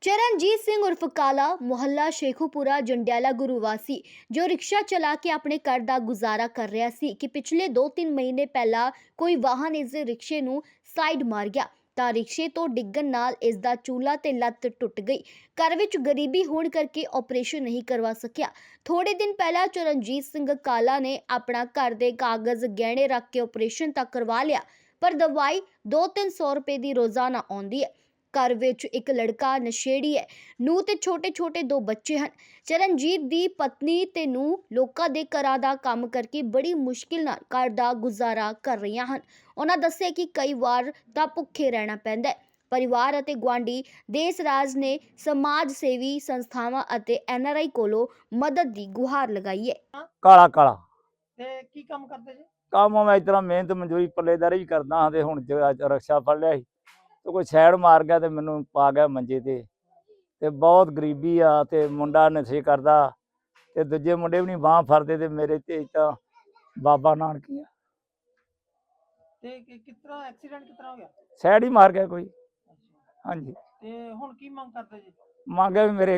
ਚਰਨਜੀਤ ਸਿੰਘ ਉਰਫ ਕਾਲਾ ਮੁਹੱਲਾ ਸ਼ੇਖੂਪੁਰਾ ਜੰਡਿਆਲਾ ਗੁਰੂ ਵਾਸੀ ਜੋ ਰਿਕਸ਼ਾ ਚਲਾ ਕੇ ਆਪਣੇ ਘਰ ਦਾ ਗੁਜ਼ਾਰਾ ਕਰ ਰਿਹਾ ਸੀ ਕਿ ਪਿਛਲੇ 2-3 ਮਹੀਨੇ ਪਹਿਲਾਂ ਕੋਈ ਵਾਹਨ ਇਸ ਦੇ ਰਿਕਸ਼ੇ ਨੂੰ ਸਾਈਡ ਮਾਰ ਗਿਆ ਤਾਂ ਰਿਕਸ਼ੇ ਤੋਂ ਡਿੱਗਣ ਨਾਲ ਇਸ ਦਾ ਚੂਲਾ ਤੇ ਲੱਤ ਟੁੱਟ ਗਈ। ਘਰ ਵਿੱਚ ਗਰੀਬੀ ਹੋਣ ਕਰਕੇ ਆਪਰੇਸ਼ਨ ਨਹੀਂ ਕਰਵਾ ਸਕਿਆ। ਥੋੜੇ ਦਿਨ ਪਹਿਲਾਂ ਚਰਨਜੀਤ ਸਿੰਘ ਕਾਲਾ ਨੇ ਆਪਣਾ ਘਰ ਦੇ ਕਾਗਜ਼ ਗਹਿਣੇ ਰੱਖ ਕੇ ਆਪਰੇਸ਼ਨ ਤਾਂ ਕਰਵਾ ਲਿਆ, ਪਰ ਦਵਾਈ 2-300 ਰੁਪਏ ਦੀ ਰੋਜ਼ਾਨਾ ਆਉਂਦੀ ਹੈ। ਘਰ ਵਿੱਚ ਇੱਕ ਲੜਕਾ ਨਸ਼ੇੜੀ ਹੈ, ਨੂੰਹ ਤੇ ਛੋਟੇ-ਛੋਟੇ 2 ਬੱਚੇ ਹਨ। ਚਰਨਜੀਤ ਦੀ ਪਤਨੀ ਤੇ ਨੂੰਹ ਲੋਕਾਂ ਦੇ ਘਰਾਂ ਦਾ ਕੰਮ ਕਰਕੇ ਬੜੀ ਮੁਸ਼ਕਿਲ ਨਾਲ ਘਰ ਦਾ ਗੁਜ਼ਾਰਾ ਕਰ ਰਹੀਆਂ ਹਨ। ਉਹਨਾਂ ਦੱਸਿਆ ਕਿ ਕਈ ਵਾਰ ਤਾਂ ਭੁੱਖੇ ਰਹਿਣਾ ਪੈਂਦਾ ਹੈ। ਪਰਿਵਾਰ ਅਤੇ ਗੁਆਂਢੀ ਦੇਸ ਰਾਜ ਨੇ ਸਮਾਜ ਸੇਵੀ ਸੰਸਥਾਵਾਂ ਅਤੇ NRI ਕੋਲੋਂ ਮਦਦ ਦੀ ਗੁਹਾਰ ਲਗਾਈ ਹੈ। ਕਾਲਾ ਕਾਲਾ ਤੇ ਕੀ ਕੰਮ ਕਰਦੇ ਜੀ? ਕੰਮ ਮੈਂ ਇਸ ਤਰ੍ਹਾਂ ਮਿਹਨਤ ਮਜ਼ਦੂਰੀ ਪੱਲੇਦਾਰੀ ਵੀ ਕਰਦਾ ਹਾਂ ਤੇ ਹੁਣ ਰਕਸ਼ਾ ਫੜ ਲਿਆ ਸੀ ਤੇ ਕੋਈ ਸਾਈਡ ਮਾਰ ਗਿਆ ਤੇ ਮੈਨੂੰ ਪਾ ਗਿਆ ਮੰਜੇ ਤੇ ਬਹੁਤ ਗਰੀਬੀ ਆ ਤੇ ਮੁੰਡਾ ਨਸ਼ੇ ਕਰਦਾ ਤੇ ਦੂਜੇ ਮੁੰਡੇ ਵੀ ਨਹੀਂ ਬਾਂਹ ਫੜਦੇ ਤੇ ਮੇਰੇ ਤੇ ਤਾਂ ਬਾਬਾ ਨਾਨਕ ਹੀ ਆ ਤੇ ਕਿਸ ਤਰ੍ਹਾਂ ਐਕਸੀਡੈਂਟ ਕਿਸ ਤਰ੍ਹਾਂ ਹੋ ਗਿਆ? ਸਾਈਡ ਹੀ ਮਾਰ ਗਿਆ ਕੋਈ। ਅੱਛਾ, ਹਾਂਜੀ ਤੇ ਹੁਣ ਕੀ ਮੰਗ ਕਰਦੇ ਜੀ? ਮੰਗਿਆ ਵੀ ਮੇਰੇ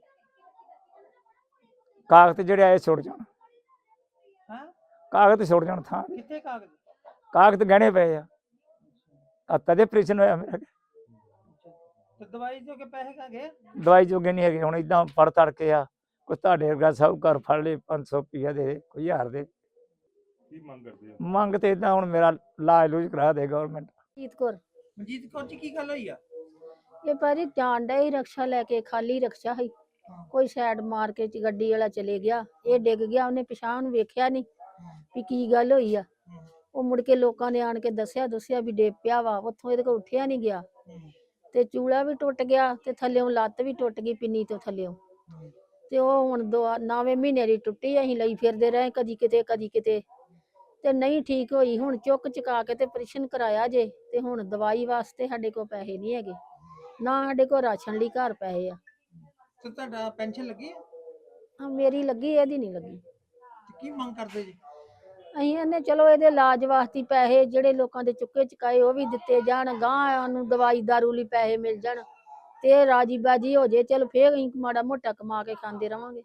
ਕਾਗਜ਼ ਜਿਹੜੇ ਆਏ ਛੁੱਟ ਜਾਣ, ਹਾਂ, ਕਾਗਜ਼ ਛੁੱਟ ਜਾਣ ਥਾਂ ਦੇ। ਕਿੱਥੇ ਕਾਗਜ਼? ਕਾਗਜ਼ ਗਹਿਣੇ ਪਏ ਆ ਤਦੇ ਆਪਰੇਸ਼ਨ ਹੋਇਆ ਮੇਰਾ। ਅੱਛਾ, ਤੇ ਦਵਾਈ ਜੋ ਕੇ ਪੈਸੇ ਕਾ ਗਏ? ਦਵਾਈ ਜੋਗੇ ਨਹੀਂ ਹੈਗੇ ਹੁਣ ਇਦਾਂ ਫੜ ਤੜ ਕੇ ਆ ਕੋਈ ਤੁਹਾਡੇ ਵਰਗਾ ਸਾਹੂਕਾਰ ਫੜ ਲਏ 500 ਰੁਪਈਆ ਦੇ ਕੋਈ 1000 ਦੇ। ਕੀ ਮੰਗ ਕਰਦੇ ਹੋ? ਮੰਗ ਤੇ ਇਦਾਂ ਹੁਣ ਮੇਰਾ ਇਲਾਜ ਲੂਜ ਕਰਾ ਦੇ ਗਵਰਨਮੈਂਟ। ਜੀਤ ਕੌਰ। ਮਨਜੀਤ ਕੌਰ ਜੀ, ਕੀ ਗੱਲ ਹੋਈ ਆ? ਇਹ ਭਾਜੀ ਜਾਣ ਡਿਆ ਸੀ ਰਕਸ਼ਾ ਲੈ ਕੇ, ਖਾਲੀ ਰਕਸ਼ਾ ਸੀ, ਕੋਈ ਸਾਈਡ ਮਾਰ ਕੇ ਗੱਡੀ ਵਾਲਾ ਚਲੇ ਗਿਆ, ਇਹ ਡਿੱਗ ਗਿਆ, ਉਹਨੇ ਪਿਛਾਂਹ ਨੂੰ ਵੇਖਿਆ ਨਹੀਂ ਵੀ ਕੀ ਗੱਲ ਹੋਈ ਆ। ਉਹ ਮੁੜ ਕੇ ਲੋਕਾਂ ਨੇ ਆਣ ਕੇ ਦੱਸਿਆ ਵੀ ਡਿੱਗ ਪਿਆ ਵਾ, ਉੱਥੋਂ ਇਹਦੇ ਕੋਲ ਉੱਠਿਆ ਨਹੀਂ ਗਿਆ ਤੇ ਚੂਲਾ ਵੀ ਟੁੱਟ ਗਿਆ ਤੇ ਥੱਲਿਓਂ ਲੱਤ ਵੀ ਟੁੱਟ ਗਈ ਪਿੰਨੀ ਤੋਂ ਥੱਲਿਓਂ। ਤੇ ਉਹ ਹੁਣ 9ਵੇਂ ਮਹੀਨੇ ਦੀ ਟੁੱਟੀ, ਅਸੀਂ ਲਈ ਫਿਰਦੇ ਰਹੇ ਕਦੀ ਕਿਤੇ ਤੇ ਨਹੀਂ ਠੀਕ ਹੋਈ। ਹੁਣ ਚੁੱਕ ਚੁਕਾ ਕੇ ਤੇ ਆਪਰੇਸ਼ਨ ਕਰਾਇਆ ਜੇ ਤੇ ਹੁਣ ਦਵਾਈ ਵਾਸਤੇ ਸਾਡੇ ਕੋਲ ਪੈਸੇ ਨਹੀਂ ਹੈਗੇ, ਨਾ ਸਾਡੇ ਕੋਲ ਰਾਸ਼ਨ ਲਈ ਘਰ ਪੈਸੇ ਆ। ਤੇ ਤੁਹਾਡਾ ਪੈਨਸ਼ਨ ਲੱਗੀ ਆ? ਮੇਰੀ ਲੱਗੀ, ਇਹਦੀ ਨਹੀਂ ਲੱਗੀ। ਤੇ ਕੀ ਮੰਗ ਕਰਦੇ ਜੀ? ਅਸੀਂ ਇਹਨੇ ਚਲੋ ਇਹਦੇ ਇਲਾਜ ਵਾਸਤੇ ਪੈਸੇ ਜਿਹੜੇ ਲੋਕਾਂ ਦੇ ਚੁੱਕੇ ਚੁਕਾਏ ਉਹ ਵੀ ਦਿੱਤੇ ਜਾਣ, ਗਾਂ ਨੂੰ ਦਵਾਈ ਦਾਰੂ ਲਈ ਪੈਸੇ ਮਿਲ ਜਾਣ ਤੇ ਰਾਜੀ ਬਾਜੀ ਹੋ ਜੇ, ਚਲ ਫੇਰ ਅਸੀਂ ਮਾੜਾ ਮੋਟਾ ਕਮਾ ਕੇ ਖਾਂਦੇ ਰਵਾਂਗੇ।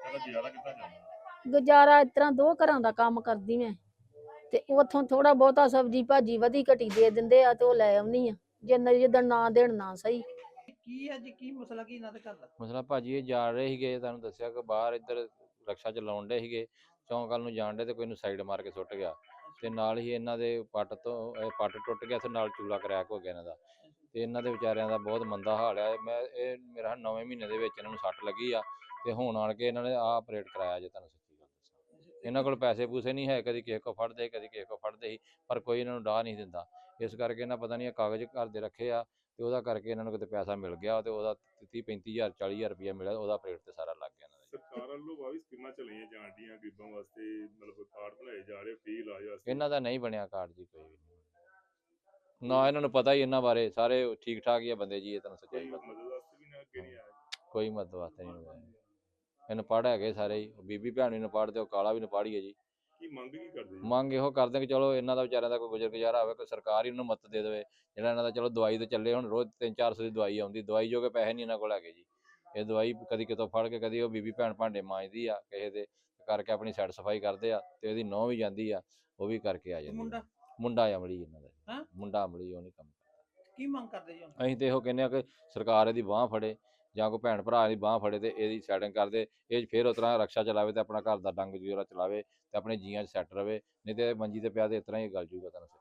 ਗੁਜ਼ਾਰਾ ਇਸ ਤਰ੍ਹਾਂ 2 ਘਰਾਂ ਦਾ ਕੰਮ ਕਰਦੀ ਮੈਂ ਤੇ ਉਥੋਂ ਥੋੜਾ ਬਹੁਤਾ ਸਬਜ਼ੀ ਭਾਜੀ ਵਧੀ ਘਟੀ ਦੇ ਦਿੰਦੇ ਆ ਤੇ ਉਹ ਲੈ ਆਉਣੀ ਆ, ਜਿੱਦਣ ਨਾ ਦੇਣ ਨਾ ਸਹੀ। ਕੀ ਹੈ ਜੀ, ਕੀ ਮਸਲਾ ਕੀ ਇਹਨਾਂ ਦੇ ਘਰ ਦਾ? ਮਸਲਾ ਭਾਜੀ ਇਹ ਜਾ ਰਹੇ ਸੀਗੇ, ਤੁਹਾਨੂੰ ਦੱਸਿਆ ਕਿ ਬਾਹਰ ਇੱਧਰ ਰਕਸ਼ਾ ਚਲਾਉਣ ਡੇ ਸੀਗੇ, ਚੌਂਕ ਵੱਲ ਨੂੰ ਜਾਣ ਡੇ ਤੇ ਕੋਈ ਨੂੰ ਸਾਈਡ ਮਾਰ ਕੇ ਸੁੱਟ ਗਿਆ ਤੇ ਨਾਲ ਹੀ ਇਹਨਾਂ ਦੇ ਪੱਟ ਟੁੱਟ ਗਿਆ ਤੇ ਨਾਲ ਚੂਲਾ ਕਰੈਕ ਹੋ ਗਿਆ ਇਹਨਾਂ ਦਾ ਤੇ ਇਹਨਾਂ ਦੇ ਵਿਚਾਰਿਆਂ ਦਾ ਬਹੁਤ ਮੰਦਾ ਹਾਲ ਹੈ। ਇਹ ਮੇਰਾ 9ਵੇਂ ਮਹੀਨੇ ਦੇ ਵਿੱਚ ਇਹਨਾਂ ਨੂੰ ਸੱਟ ਲੱਗੀ ਆ ਤੇ ਹੁਣ ਆਣ ਕੇ ਇਹਨਾਂ ਨੇ ਆਪਰੇਟ ਕਰਾਇਆ ਜੇ। ਤੁਹਾਨੂੰ ਸੱਚੀ ਗੱਲ ਦੱਸਾਂ, ਇਹਨਾਂ ਕੋਲ ਪੈਸੇ ਪੂਸੇ ਨਹੀਂ ਹੈ, ਕਦੀ ਕਿਸੇ ਕੋ ਫੜਦੇ ਕਦੀ ਕਿਸੇ ਕੋ ਫੜਦੇ ਸੀ, ਪਰ ਕੋਈ ਇਹਨਾਂ ਨੂੰ ਡਾਹ ਨਹੀਂ ਦਿੰਦਾ। ਇਸ ਕਰਕੇ ਇਹਨਾਂ ਪਤਾ ਨਹੀਂ ਇਹ ਕਾਗਜ਼ ਘਰ ਦੇ ਰੱਖੇ ਆ ਤੇ ਉਹਦਾ ਕਰਕੇ ਇਹਨਾਂ ਨੂੰ ਕਿਤੇ ਪੈਸਾ ਮਿਲ ਗਿਆ ਤੇ ਉਹਦਾ 30-35,000 40,000 ਰੁਪਇਆ ਮਿਲਿਆ, ਉਹਦਾ ਆਪਰੇਟ ਤੇ ਸਾਰਾ ਲੱਗ ਗਿਆ ਇਹਨਾਂ ਦੇ। ਸਰਕਾਰ ਵੱਲੋਂ ਵੀ ਸਕੀਮਾਂ ਚਲਾਈਆਂ ਜਾਣ ਡੀਆਂ ਗਰੀਬਾਂ ਵਾਸਤੇ, ਮਤਲਬ ਕਾਰਡ ਬਣਾਏ ਜਾ ਰਹੇ ਫ੍ਰੀ ਇਲਾਜ ਵਾਸਤੇ। ਇਹਨਾਂ ਦਾ ਨਹੀਂ ਬਣਿਆ ਕਾਰਡ ਜੀ, ਕੋਈ ਵੀ ਨਹੀਂ ਨਾ ਇਹਨਾਂ ਨੂੰ ਪਤਾ ਹੀ ਇਹਨਾਂ ਬਾਰੇ, ਸਾਰੇ ਠੀਕ ਠਾਕ ਹੀ ਆ ਬੰਦੇ ਜੀ। ਇਹ ਤੁਹਾਨੂੰ ਸੱਚਾਈ ਕੋਈ ਪਤਾ, ਮਦਦ ਵਾਸਤੇ ਵੀ ਨਾ ਅੱਗੇ ਨਹੀਂ ਆਇਆ? ਕੋਈ ਮਦਦ ਵਾਸਤੇ ਨਹੀਂ ਹੋਇਆ। ਇਹਨੂੰ ਪੜ੍ਹ ਹੈਗੇ ਸਾਰੇ ਹੀ, ਬੀਬੀ ਭੈਣ ਵੀ ਨੂੰ ਪੜ੍ਹਦੇ, ਉਹ ਕਾਲਾ ਵੀ ਨੂੰ ਪੜ੍ਹੀਏ ਜੀ। ਕੀ ਮੰਗ ਕੀ ਕਰਦੇ ਜੀ? ਮੰਗ ਇਹੋ ਕਰਦੇ ਕਿ ਚਲੋ ਇਹਨਾਂ ਦਾ ਵਿਚਾਰਿਆਂ ਦਾ ਕੋਈ ਗੁਜ਼ਰ ਗੁਜ਼ਾਰਾ ਹੋਵੇ, ਕੋਈ ਸਰਕਾਰ ਹੀ ਇਹਨਾਂ ਨੂੰ ਮਦਦ ਦੇ ਦੇਵੇ। ਜਿਹੜਾ ਇਹਨਾਂ ਦਾ ਚਲੋ ਦਵਾਈ ਤੇ ਚੱਲੇ, ਹੁਣ ਰੋਜ਼ 300-400 ਦੀ ਦਵਾਈ ਆਉਂਦੀ, ਦਵਾਈ ਜੋ ਕਿ ਪੈਸੇ ਨਹੀਂ ਇਹਨਾਂ ਕੋਲ ਹੈਗੇ ਜੀ। ਇਹ ਦਵਾਈ ਕਦੀ ਕਿਤੋਂ ਫੜ ਕੇ, ਕਦੀ ਉਹ ਬੀਬੀ ਭੈਣ ਭਾਂਡੇ ਮਾਂਜਦੀ ਆ ਕਿਸੇ ਦੇ ਕਰਕੇ, ਆਪਣੀ ਸਾਈਡ ਸਫਾਈ ਕਰਦੇ ਆ ਤੇ ਇਹਦੀ ਨਹੁੰ ਵੀ ਜਾਂਦੀ ਆ, ਉਹ ਵੀ ਕਰਕੇ ਆ ਜਾਂਦੀ। ਮੁੰਡਾ ਅਮਲੀ ਇਹਨਾਂ ਦਾ, ਮੁੰਡਾ ਅਮਲੀ, ਉਹ ਨਹੀਂ ਕੰਮ ਕਰਦਾ। ਕੀ ਮੰਗ ਕਰਦੇ ਜੀ? ਅਸੀਂ ਤੇ ਇਹੋ ਕਹਿੰਦੇ ਆ ਕਿ ਸਰਕਾਰ ਇਹਦੀ ਬਾਂਹ ਫੜੇ ਜਾਂ ਕੋਈ ਭੈਣ ਭਰਾ ਦੀ ਬਾਂਹ ਫੜੇ ਤੇ ਇਹਦੀ ਸੈਟਿੰਗ ਕਰਦੇ, ਇਹ ਫਿਰ ਉਸ ਤਰ੍ਹਾਂ ਰਕਸ਼ਾ ਚਲਾਵੇ ਤੇ ਆਪਣਾ ਘਰ ਦਾ ਡੰਗ ਜੋਰਾ ਚਲਾਵੇ ਤੇ ਆਪਣੇ ਜੀਆਂ 'ਚ ਸੈੱਟ ਰਵੇ, ਨਹੀਂ ਤੇ ਮੰਜੀ ਤੇ ਪਿਆ ਤੇ ਇਸ ਤਰ੍ਹਾਂ ਹੀ ਗਲ ਜੂਗਾ। ਤੁਹਾਨੂੰ